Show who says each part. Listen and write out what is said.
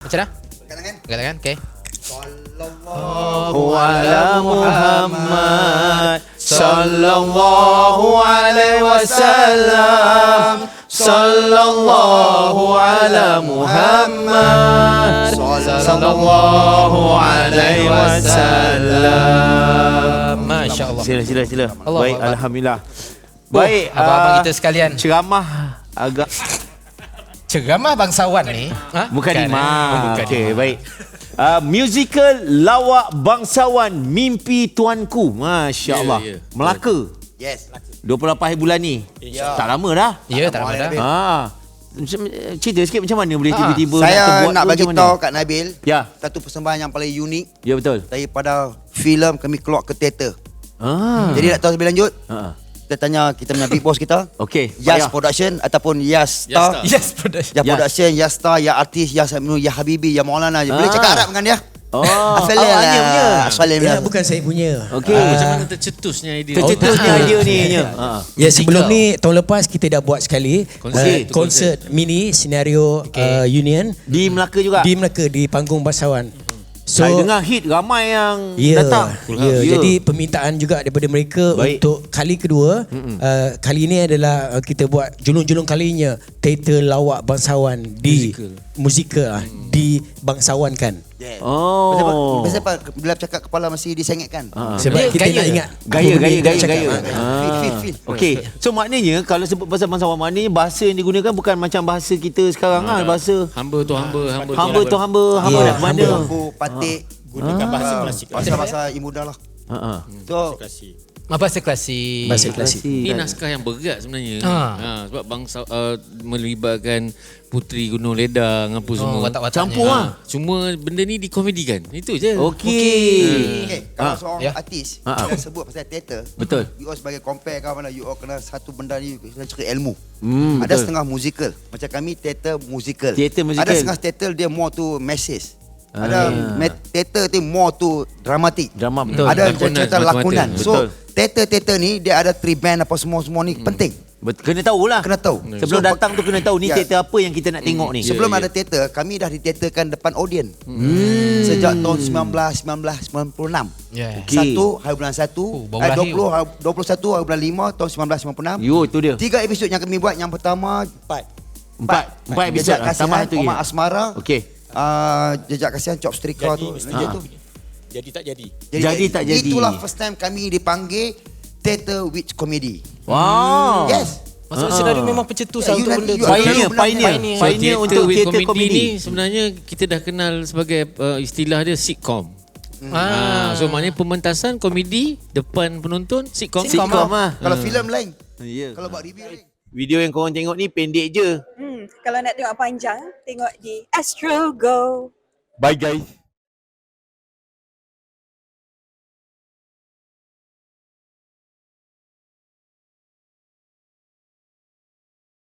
Speaker 1: Baca dah. Angkat tangan. Okay.
Speaker 2: Sallallahu ala Muhammad, sallallahu alaihi wasallam, sallallahu ala Muhammad, sallallahu alaihi wasallam.
Speaker 1: Masya-Allah.
Speaker 2: Sila.
Speaker 1: Allah
Speaker 2: Baik,
Speaker 1: Allah.
Speaker 2: alhamdulillah. Baik,
Speaker 1: abang-abang kita sekalian.
Speaker 2: ceramah agak
Speaker 1: Ceramah bangsawan ni.
Speaker 2: bukan imam.
Speaker 1: Bukan
Speaker 2: Okey,
Speaker 1: imam.
Speaker 2: baik. Musical lawak bangsawan Mimpi Tuanku. Masya-Allah.
Speaker 3: Ya.
Speaker 2: Melaka.
Speaker 4: Yes.
Speaker 2: 28 hari bulan ni. Tak lama dah.
Speaker 1: Ya, tak lama dah.
Speaker 2: Cerita sikit macam mana boleh tiba-tiba
Speaker 4: Saya
Speaker 2: terbuat
Speaker 4: nak
Speaker 2: tu
Speaker 4: bagi
Speaker 2: macam mana?
Speaker 4: tahu kat Nabil
Speaker 2: Ya.
Speaker 4: satu persembahan yang paling unik
Speaker 2: Ya betul.
Speaker 4: daripada filem kami keluar ke teater.
Speaker 2: Jadi
Speaker 4: Jadi nak tahu lebih lanjut,
Speaker 2: ha.
Speaker 4: kita tanya kita punya big boss kita.
Speaker 2: Okey.
Speaker 4: Yas
Speaker 2: payah.
Speaker 4: Production ataupun Yas Star.
Speaker 1: Yes, production.
Speaker 4: Ya
Speaker 2: Yas.
Speaker 4: Production, Yas Star, Ya Artis, Ya Saminu, Ya Habibi, Ya Maulana. Boleh cakap Arab dengan dia?
Speaker 2: Oh,
Speaker 4: Asalim
Speaker 2: awaknya punya.
Speaker 4: Asalim
Speaker 5: Ya, bukan saya punya.
Speaker 2: Okey.
Speaker 3: Macam mana tercetusnya idea?
Speaker 2: Tercetusnya idea ni.
Speaker 5: Ya, sebelum ni tahun lepas kita dah buat sekali
Speaker 3: Konsert.
Speaker 5: konsert mini senario Union
Speaker 2: Di Melaka juga.
Speaker 5: di Melaka di panggung bangsawan. So
Speaker 2: Saya dengar hit ramai yang
Speaker 5: ya,
Speaker 2: datang.
Speaker 5: jadi permintaan juga daripada mereka
Speaker 2: Baik.
Speaker 5: untuk kali kedua. Kali ini adalah kita buat julung-julung kalinya teater lawak bangsawan di musikal dibangsawankan.
Speaker 2: Oh.
Speaker 4: Biasa apa bila cakap kepala masih disengitkan.
Speaker 5: Sebab
Speaker 1: Dia
Speaker 5: kita
Speaker 1: gaya.
Speaker 5: nak ingat
Speaker 2: Gaya.
Speaker 4: Feel.
Speaker 2: Okey. So maknanya kalau sebut pasal bangsawan, maknanya bahasa yang digunakan bukan macam bahasa kita sekarang bahasa
Speaker 3: Hamba tu hamba, hamba
Speaker 2: hamba tu hamba, hamba
Speaker 5: Ya,
Speaker 2: nak ke mana.
Speaker 4: Lampu, patik,
Speaker 6: Gunakan bahasa klasik.
Speaker 4: bahasa imudah lah. So
Speaker 6: Klasik.
Speaker 1: Bahasa klasik.
Speaker 5: bahasa klasik.
Speaker 3: Ini naskah yang berat sebenarnya. Sebab bangsa melibatkan Puteri Gunung Ledang apa semua.
Speaker 1: Watak-wataknya.
Speaker 2: Campur lah.
Speaker 3: Cuma benda ni dikomedikan. Itu je.
Speaker 2: Okey.
Speaker 4: kalau seorang
Speaker 1: Ya.
Speaker 4: artis dia sebut pasal teater,
Speaker 2: Betul.
Speaker 4: you all sebagai compare kan mana, you all kena satu benda ni kena cari ilmu. Ada
Speaker 2: betul.
Speaker 4: setengah musical. Macam kami teater musical.
Speaker 2: Teater musical.
Speaker 4: Ada setengah teater dia more to message. Ada teater tu more to dramatik.
Speaker 2: Drama betul.
Speaker 4: Ada
Speaker 3: Lakonan,
Speaker 4: cerita
Speaker 3: semata-mata.
Speaker 4: lakonan. So
Speaker 2: Betul.
Speaker 4: teater ni dia ada three band apa semua ni penting.
Speaker 2: Kena tahulah.
Speaker 4: Kena tahu.
Speaker 2: Sebelum
Speaker 4: So,
Speaker 2: datang tu kena tahu ni
Speaker 4: Ya.
Speaker 2: teater apa yang kita nak tengok ni.
Speaker 4: Sebelum ada teater, kami dah diteaterkan depan audien. Sejak tahun 1996.
Speaker 1: Ya.
Speaker 2: Okey.
Speaker 4: 1 hari bulan 1,
Speaker 1: baru lahir.
Speaker 4: 21 hari bulan 5 tahun 1996.
Speaker 2: Yo, tu dia.
Speaker 4: 3 episod yang kami buat. Yang pertama
Speaker 2: Empat episod
Speaker 4: Jejak
Speaker 2: lah. Tambah
Speaker 4: Kasihan,
Speaker 2: satu lagi.
Speaker 4: Omar Asmara.
Speaker 2: Okey.
Speaker 4: Jejak Kasihan, Chop Strika tu.
Speaker 6: Jadi,
Speaker 4: Tu.
Speaker 6: jadi tak jadi.
Speaker 2: Jadi tak jadi.
Speaker 4: Itulah first time kami dipanggil Theatre with Comedy.
Speaker 2: Wow.
Speaker 4: Yes.
Speaker 1: Maksudnya senario memang pencetus
Speaker 4: Ya,
Speaker 1: untuk
Speaker 4: you
Speaker 1: benda
Speaker 4: nanti-
Speaker 1: tu.
Speaker 4: you-
Speaker 2: Pioneer
Speaker 3: So,
Speaker 2: untuk
Speaker 3: with
Speaker 2: teater
Speaker 3: comedy
Speaker 2: komedi.
Speaker 3: ni sebenarnya kita dah kenal sebagai istilah dia sitcom. So maknanya pementasan komedi depan penonton sitcom.
Speaker 2: Sitcom lah.
Speaker 4: Kalau filem lain.
Speaker 2: Ya.
Speaker 4: Kalau buat review lain.
Speaker 2: Video yang korang tengok ni pendek je.
Speaker 7: Kalau nak tengok panjang, tengok di Astro Go.
Speaker 2: Bye guys.